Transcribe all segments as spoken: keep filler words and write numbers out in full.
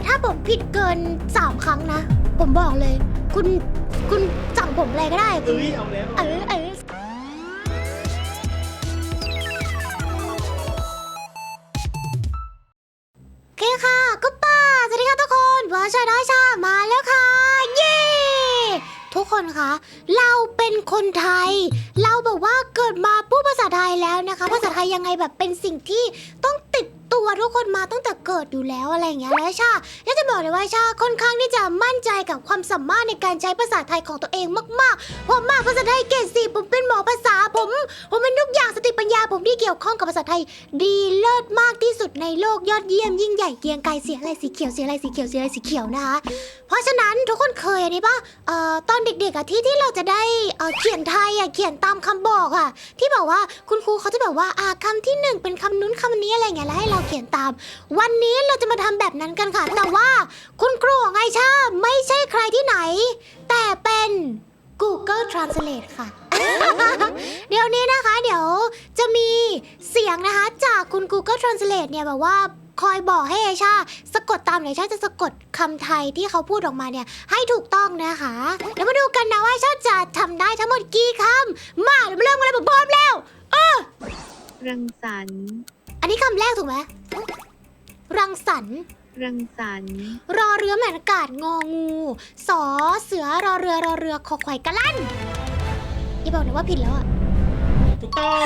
ถ้าผมผิดเกินสามครั้งนะผมบอกเลย คุณคุณสั่งผมอะไรก็ได้คุเอ้ณยเอาแล้วเออเออโอเคค่ะก็ป้าสวัสดีค่ะทุกคนวอชาดาชามาแล้วค่ะ เย้ทุกคนคะเราเป็นคนไทย เราแบบว่าเกิดมาพูดภาษาไทยแล้วนะคะภาษาไทยยังไงแบบเป็นสิ่งที่ต้องติดตัวทุกคนมาตั้งแต่เกิดอยู่แล้วอะไรอย่างเงี้ยแล้วชาอยากจะบอกเลยว่าชาค่อนข้างที่จะมั่นใจกับความสามารถในการใช้ภาษาไทยของตัวเองมากๆผมมาภาษาไทยเกรดสี่ผมเป็นหมอภาษาผมผมเป็นทุกอย่างสติปัญญาผมที่เกี่ยวข้องกับภาษาไทยดีเลิศมากที่สุดในโลกยอดเยี่ยมยิ่งใหญ่เกรียงไกรเสียอะไรสีเขียวเสียอะไรสีเขียวเสียอะไรสีเขียวนะคะเพราะฉะนั้นทุกคนเคยอันนี้ปะเอ่อตอนเด็กๆอะที่ที่เราจะได้เอ่อเขียนไทยอะเขียนตามคำบอกอะที่บอกว่าคุณครูเขาจะแบบว่าอ่าคำที่หนึ่งเป็นคำนู้นคำนี้อะไรเงี้ยแล้วให้เราเขียนตามวันนี้เราจะมาทำแบบนั้นกันค่ะแต่ว่าคุณครูของไอชาไม่ใช่ใครที่ไหนแต่เป็น Google Translate ค่ะ เดี๋ยวนี้นะคะเดี๋ยวจะมีเสียงนะคะจากคุณ Google Translate เนี่ยแบบว่าคอยบอกให้ไอชาสะกดตามไหนชาจะสะกดคำไทยที่เขาพูดออกมาเนี่ยให้ถูกต้องนะคะเดี๋ยวมาดูกันนะว่าชาจะทำได้ทั้งหมดกี่คำมาเดี๋ยวมาเริ่มกันเลยผมพร้อมแล้วเออรังสรรค์อันนี้คำแรกถูกไหมรังสรรค์รังสรรค์รอเรือแม่นอากาศงองูสอเสือรอเรือรอเรือคอควายกะลั่นอย่าบอกนะว่าผิดแล้วอะถูกต้อง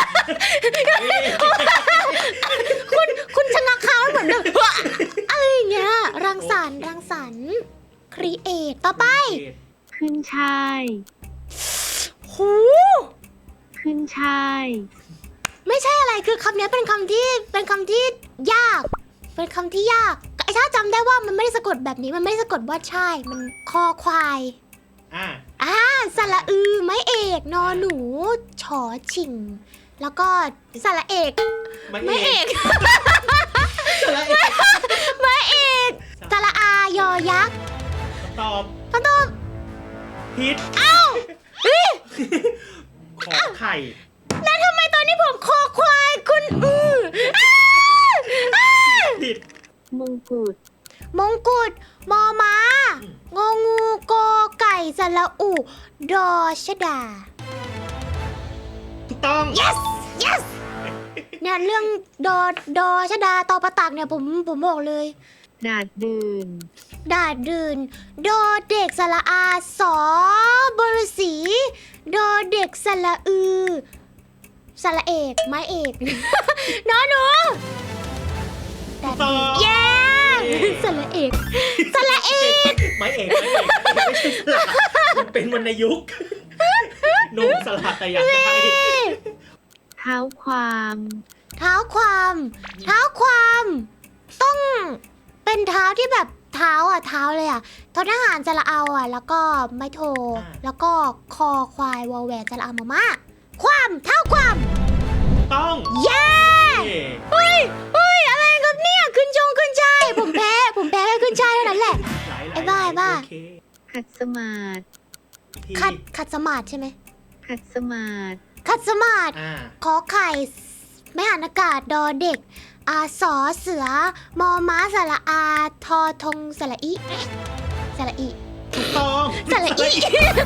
คุณคุณชะงักค้างเหมือนแบบอะไรอย่างเงี้ยรังสรรค์รังสรรค์ครีเอทต่อไปขึ้นช่ายหูขึ้นช่ายไม่ใช่อะไรคือคำนี้เป็นคำที่เป็นคำที่ยาก เป็นคำที่ยากไอ้ชาจำได้ว่ามันไม่ได้สะกดแบบนี้มันไม่ได้สะกดว่าใช่มันคอควายอ่าอ่าสระอือไม้เอกนอหนูชอชิง แล้วก็สระเอกไม่ไม้เอเอก กสระเอกไม้เอกสระอายอยักษ์ตอบคำตอบผิดเอ้าเฮ้ยขอไข่แล้วทำไมตอนนี้ผมคอควายคุณอืออ้าอ้าผิดมงกุฎมงกุฎมอม้างองูกอไก่สระอุดอชดาถูกต้อง yes yes เนี่ยเรื่องดอดอชดาตอประตักเนี่ยผมผมบอกเลยดาดดื่นดาดดื่นดอเด็กสระอาสอบรสีดอเด็กสระอือสระเอกไม้เอก นอหนูถูกต้องเย้สระเอกสระเอกไม่เอกไม่เอกไม่ใช่สระมันเป็นวรรณยุกต์หนุ่มสลัดแต่อย่างใดเท้าความเท้าความเท้าความต้องเป็นเท้าที่แบบเท้าอ่ะเท้าเลยอ่ะทอทหารสระเอาอ่ะแล้วก็ไม้โทแล้วก็คอควายวอแหวนสระอามาม่าความเท้าความต้องเย้เฮ้ยเฮ้ยอะไรครับเนี่ยขึ้นชงขึ้นชายผมแพ้ผมแพ้แค่ขึ้นชายเท่านั้นแหละหลายๆไอ้บ้าไอ้บ้าโอเคขัดสมาธิผิขัดขัดสมาธิใช่ไหมขัดสมาธิขัดสมาธิอ่าขอไข่ไม่หันอากาศดอเด็กอาสอเสือมอม้าสระอาทอทงสระอีสระอีถูกต้องสระอี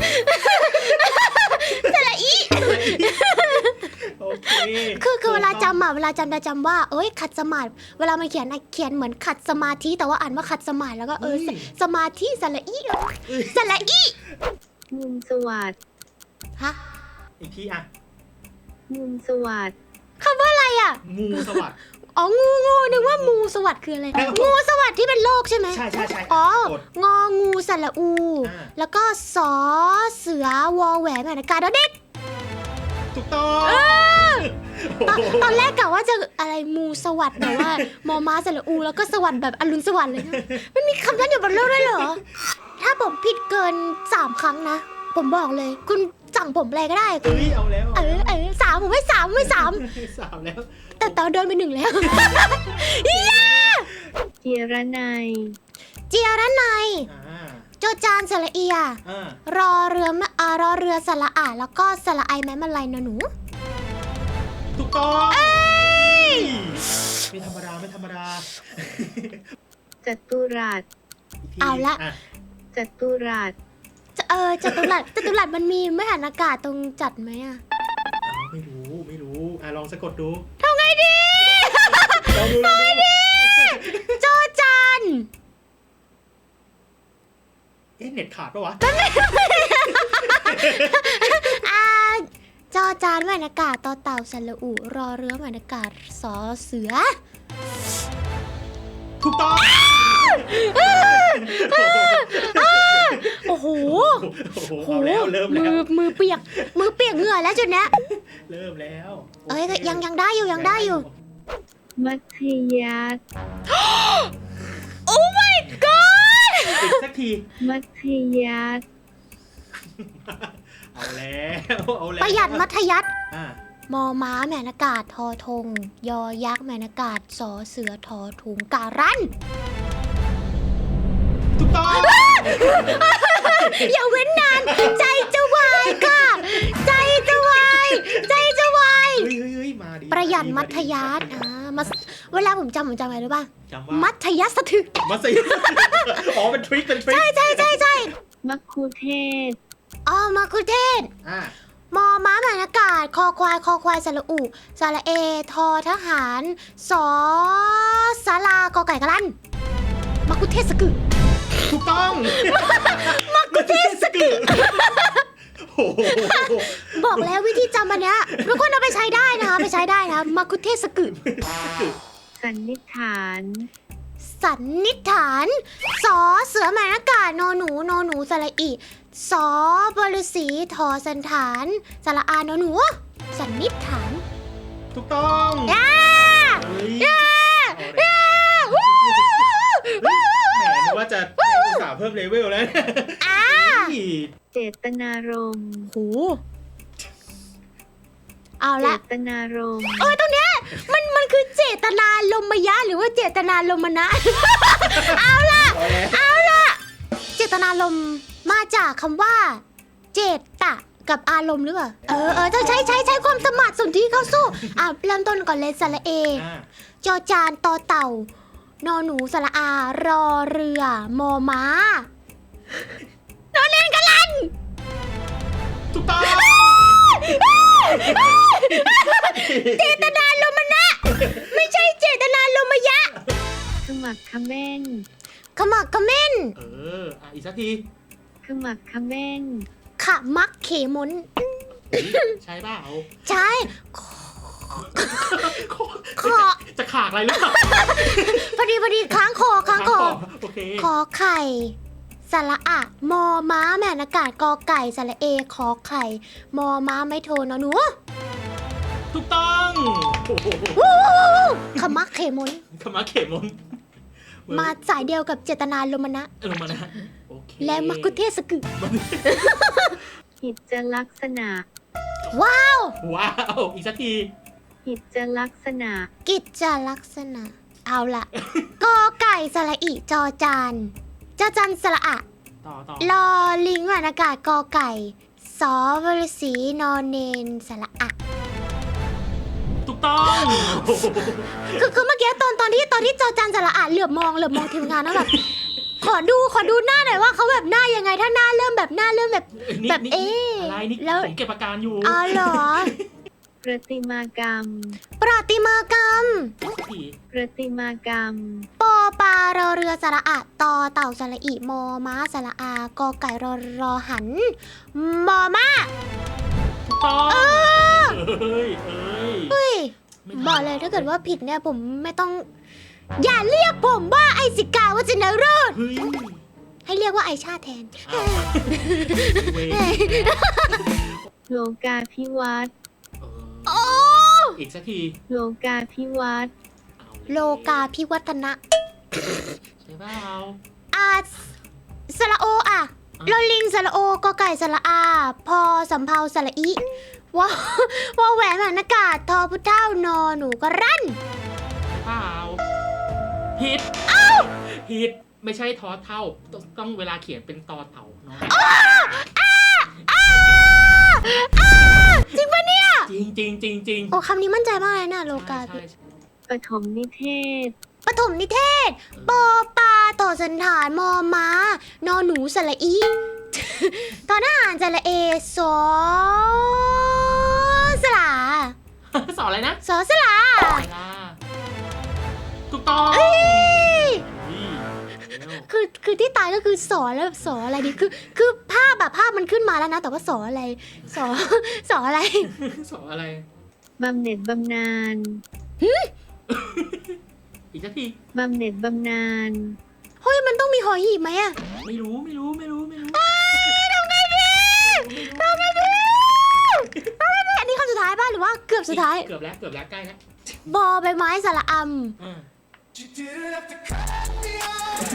สระอีโอเคคือคือเวลาจำอะเวลาจำจะจำว่าเอ้ยขัดสมาธิเวลามาเขียนอะเขียนเหมือนขัดสมาธิแต่ว่าอ่านว่าขัดสมาธิแล้วก็เออสสมาธิสระอีสระอีมุมสวัสดฮะอีกทีอ่ะมุมสวัสดคำว่าอะไรอะงูสวัสดอ๋องูงูนึกว่ามูสวัสดิ์คืออะไรแล้วงูสวัสดิ์ที่เป็นโรคใช่ไหมใช่ใช่ใช่อ๋อกดงองูสระอูอ่าแล้วก็สอเสือวอแหวนแมนากาดอเด็กถูกต้องตอนโอ้โหตอนแรกกะว่าจะอะไรมูสวัสดิ์แบบว่ามอม้าสระอู แล้วก็สวัสดิ์แบบอรุณสวัสดิ์เลยนะมันมีคำนั้นอยู่บนโลกด้วยเหรอ ถ้าผมผิดเกินสามครั้งนะ ผมบอกเลย คุณสั่งผมอะไรก็ได้คุณเฮ้ยเอาแล้วเออเออสามผมไม่สามไม่สามสามแล้วแต่ตอนเดินไปหนึ่งแล้ว ย่าเจียระไนยเจียระไนยอ่าโจจานสระเอียอ่ารอเรือมะอ่ารอเรือสระอาแล้วก็สระไอแม้มันไรนะหนูถูกต้องไม่ธรรมดาไม่ธรรมดาจจัตุรัสอีกทีเอาละอ่ะจัตุรัสจะเออจัตุรัสจัตุรัสมันมีไม่หันอากาศตรงจัดไหมอะอ้าวไม่รู้ไม่รู้อ่ะลองสะกดดูทำไงดีลองดูลองดูจอจานเอ๊ะเน็ตขาดปะวะอ่าจอจานไม่หันอากาศต่อเต่าสระอุรอเรือไม่หันอากาศสอเสือถูกต้องโอ้โหโอ้โหเอาแล้วเริ่มมืแล้วอมือเปียก มือเปียกเหงื่อแล้วจุดเนี้ยเริ่มแล้วเอ้ยโคยังยังได้อยู่ยังได้อยู่มัธยัสถ์โอ้ my god อีกสักทีมัธยัสถ์เอาแล้วเอาแล้วประหยัดมัธยัสถ์อ่ะมอม้าแมนอากาศทอทง ยอยักษ์แมนอากาศสอเสือทอถุงการันถูกต้องอย่าเว้นนาน ใจจะวายค่ะ ใจจะวาย ใจจะวายเฮ้ยเฮ้ยเฮ้ยมาดิประหยัดมัธายัสถ์อ่ามาเวลาผมจำผมจำอะไรรู้ป่ะจำว่ามัธยัสถ์ถึกมัสยิด อ๋อเป็นทริคเป็นทริคใช่ใช่ใช่ใช่มัคคุเทศก์อ๋อมาคุเทศอ่ะมอม้าแมนอากาศ คอควาย คอควายสระอุสระเอ ทอทหารสอสารากอไก่กะลันมาคุเทศสกึถูกต้องมักกุเทศกึโอ้โหบอกแล้ววิธีจำอันเนี้ยทุกคนเอาไปใช้ได้นะคะไปใช้ได้นะมาคุเทศสกึสันนิษฐานสันนิษฐานสอเสือแมนอากาศนอหนูนอหนูสระอิสอบฤษีทอสันฐานสระอานอหนูสันนิษฐานถูกต้องย่าเฮ้ยย่าเอาเลยย่าวู้เฮ้ยแหมนึกว่าจะให้อุตส่าห์เพิ่มเลเวลแล้วอ่าเฮ้ยเจตนารมณ์โหเอาเจละตนารมณ์เออตรงเนี้ยมันมันคือเจตนาลมยะหรือว่าเจตนาลมนะ เอาล่ะเอาแล้วเอาล่ะ เจตนารมณ์มาจากคำว่า เจตะกับอารมณ์หรือเปล่า เออเออต้องใช้ใช้ใช้ความสมัครสนที่เข้าสู้ อ่ะเริ่มต้นก่อนเลยสระเออ่ะจอจานตอเต่า นอหนูสระอารอเรือ มอม้านอนเล่นกันลันถูกต้องเจตนาลมนะ ไม่ใช่เจตนาลมยะขมักเขม้นขมักเขม้นเอออ่ะอีกสักทีขมักเขม้นขะมักเขมนใช่เปล่าใช่ ขอจะขากอะไรหรือเปล่าพอดีพอดีค้างคอค้างคอโอเคขอไข่สระอะ มอม้าแม่นอากาศกอไก่สระเอ ขอไข่ มอม้าไม่โทนอหนูถูกต้องโอ้โหวู้วู้วู้วู้ขมักเขมนขมาเขมนมาสายเดียวกับเจตนาลมนะเออมานะโอเคและมักคุเทศกึหิจลักษณะว้าวว้าวอีกสักทีหิจลักษณะกิจจลักษณะ เอาล่ะ กอไก่สระอิจอจานจอจานสระอะต่อต่อลอลิงแหวนอากาศกอไก่สอบฤษีนอนเนนสระอะถูกต้องโอ้โหคือคือเมื่อกี้ตอนตอนที่ตอนที่จอจานสระอะเหลือบมองเหลือบมองทีมงานแล้วแบบ ขอดูขอดูหน้าหน่อยว่าเขาแบบหน้ายังไงถ้าหน้าเริ่มแบบหน้าเริ่มแบบนี่แบบนี่เอ๊ะอะไรนี่แล้วผมเก็บอาการอยู่อ๋อเหรอประติมากรรมประติมากรรมอีกสักทีประติมากรรมปอปลารอเรือสระอะตอเต่าสระอิมอม้าสระอากอไก่รอรอหัน มอม้าถูกต้องเออเอ้ยเอ้ยเฮ้ยไม่ทันบอกเลยถ้าเกิดว่าผิดเนี่ยผมไม่ต้อง อย่าเรียกผมว่าไอสิกาวัจนโรดเฮ้ยให้เรียกว่าไอชาแทนอ้าวเวรโลกาภิวัตน์เอโอ้ออีกสักทีโลกาภิวัตน์เอาโลกาพิวัฒนะใช่เปล่าอาสระโออะโลลิงสระโอกอไก่สระอา พอสำเภาสระอิวอวอแหวนแหวนอากาศทอพุเท่านอหนูก็รั่นเปล่าผิดผิดไม่ใช่ทอเท่าต้องต้องเวลาเขียนเป็นตอเต่าเนาะจริงปะเนี่ยจริงจริงจริงจริงโอ้คำนี้มั่นใจมากเลยนะโลกาใช่ใช่ปฐมนิเทศปฐมนิเทศปอปลาต่อสันฐานมอม้านอหนูสระอี ตอนอาหารสระเอสอสลาสอนอะไรนะสอสลาเวลาถูกต้องเอ้ยนี่เร็วคือคือที่ตายก็คือสอแล้วแบบสออะไรดีคือคือภาพแบบภาพมันขึ้นมาแล้วนะ แต่ว่าสออะไรสอ สออะไรสอนอะไรบำเหน็จบำนาญอีกสักทีบำเหน็จบำนาญเฮ้ยมันต้องมีหอหีบไหมอะไม่รู้ไม่รู้ไม่รู้ไม่รู้ทำไงดีทำไงดีทำไงดีอันนี้คำสุดท้ายป่ะหรือว่าเกือบสุดท้ายเกือบแล้วเกือบแล้วใกล้แล้วบอใบไม้สระออ่า You didn't have to cut me off.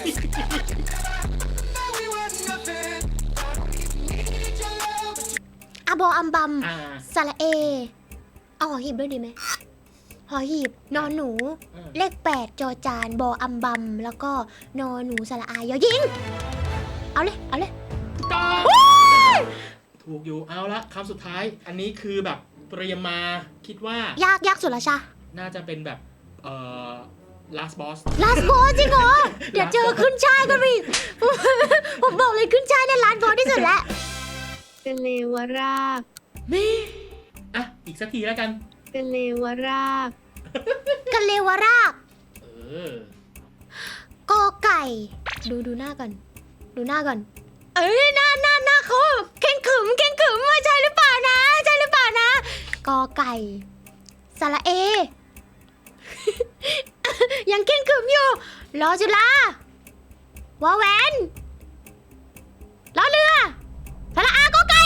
Now we were nothing. Need your love. ำอะบออัมบัมอ่าสระเอเอาหอหีบด้วยดีไหมหอหีบนอนหนูอ่าเลขแปดจอจานบออัมบัมแล้วก็นอนหนูสระอายอยิงเอาเลยเอาเลยถูกต้องถูกอยู่เอาละคำสุดท้าย อันนี้คือแบบเตรียมมาคิดว่ายากยากสุดละชาน่าจะเป็นแบบเอ่อ last boss ลาสโบจริงเหรอ เดี๋ยวเจอขึ้นชายกันไปอีก ผมบอกเลยขึ้นชายเนี่ยลาสโบที่สุดแล้วกะเลวรากอ่ะ อีกสักทีแล้วกันกะเลวรากกันเลวรากเออกอไก่ ดูดูหน้าก่อน ดูหน้าก่อน เอ้ยหน้าหน้าหน้าเขาแบบเข่งขรึมเข่งขรึมว่าใช่หรือเปล่านะใช่หรือเปล่านะกอไก่สระเอ ยังเข่งขรึมอยู่รอจุฬาวอแหวนรอเรือสระอากอไก่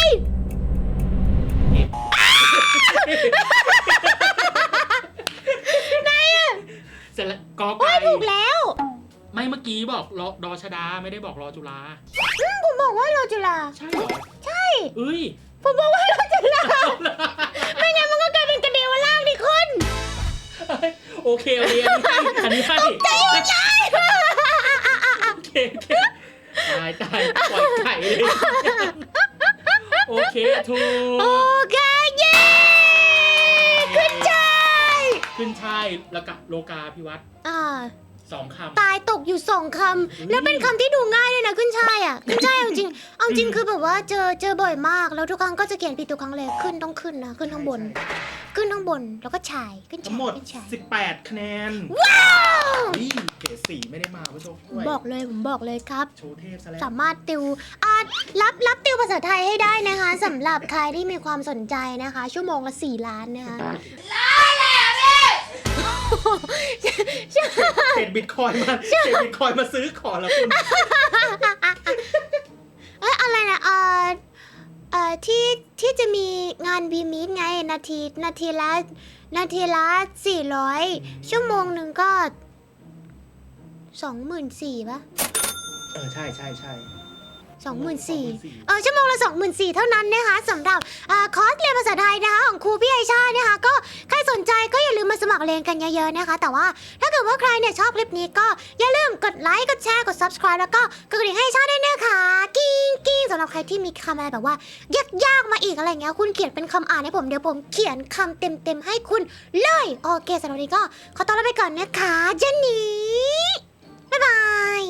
เสร็จแล้วกอโอ้ไก่ยถูกแล้วไม่เมื่อกี้บอกรอดอชดาไม่ได้บอกรอจุฬาอืมผมบอกว่ารอจุฬาใช่เหรอใช่เอ้ยผมบอกว่ารอจุฬาไม่งั้นมันก็กลายเป็นกระเดวล่างดิคุณโอเคโอเคอันนี้ให้อันนี้ให้ใจหมดเลยโอเคโอเคตายตายปล่อยไก่เลยโอเคถูโอก เคเย้ขึ้นใจขึ้นช่ายแล้วกับโลกาพิวัตรอ่าสองคำตายตกอยู่สองคำแล้วเป็นคำที่ดูง่ายด้วยนะขึ้นช่ายอ่ะขึ้นช่ายเอาจริงเอาจริงคือแบบว่าเจอเจอบ่อยมากแล้วทุกครั้งก็จะเขียนผิดทุกครั้งเลยขึ้นต้องขึ้นนะขึ้นข้างบน ขึ้นข้างบนแล้วก็ฉายขึ้นทั้ฉาง ยหมดขึ้นฉายสิบแปดคะแนนว้าวนี่เกรดสี่ไม่ได้มาผู้ชมผมบอกเลยผมบอกเลยครับโชว์เทพซะแล้วสามารถติวอ่ารับรับติวภาษาไทยให้ได้นะคะสำหรับใครที่มีความสนใจนะคะ ชั่วโมงละสี่ล้านนะคะเศษบิตคอยน์มาเศษบิตคอยน์มาซื้อของแล้วคุณเอ้ยอะไรนะเอ่อเอ่อที่ที่จะมีงานบีมีดไงนาทีนาทีละนาทีละสี่ร้อยชั่วโมงหนึ่งก็สองหมื่นสี่ปะเออใช่ใช่ใช่สองหมื่นสี่ 24,000 เออชั่วโมงละสองหมื่นสี่เท่านั้นนะคะสำหรับอ่าคอร์สเรียนภาษาไทยนะคะของครูพี่ไอชานะคะก็ใครสนใจก็อย่าลืมมาสมัครเรียนกันเยอะๆนะคะ แต่ว่าถ้าเกิดว่าใครเนี่ยชอบคลิปนี้ก็อย่าลืมกดไลค์กดแชร์กด subscribe แล้วก็กดกระดิ่งให้ชาด้วยนะคะกิ้งกิ้งสำหรับใครที่มีคำอะไรแบบว่ายากๆมาอีกอะไรเงี้ยคุณเขียนเป็นคำอ่านให้ผมเดี๋ยวผมเขียนคำเต็มๆให้คุณเลยโอเคสำหรับวันนี้ก็ขอตัวลาไปก่อนนะคะเจนนี่บ๊ายบาย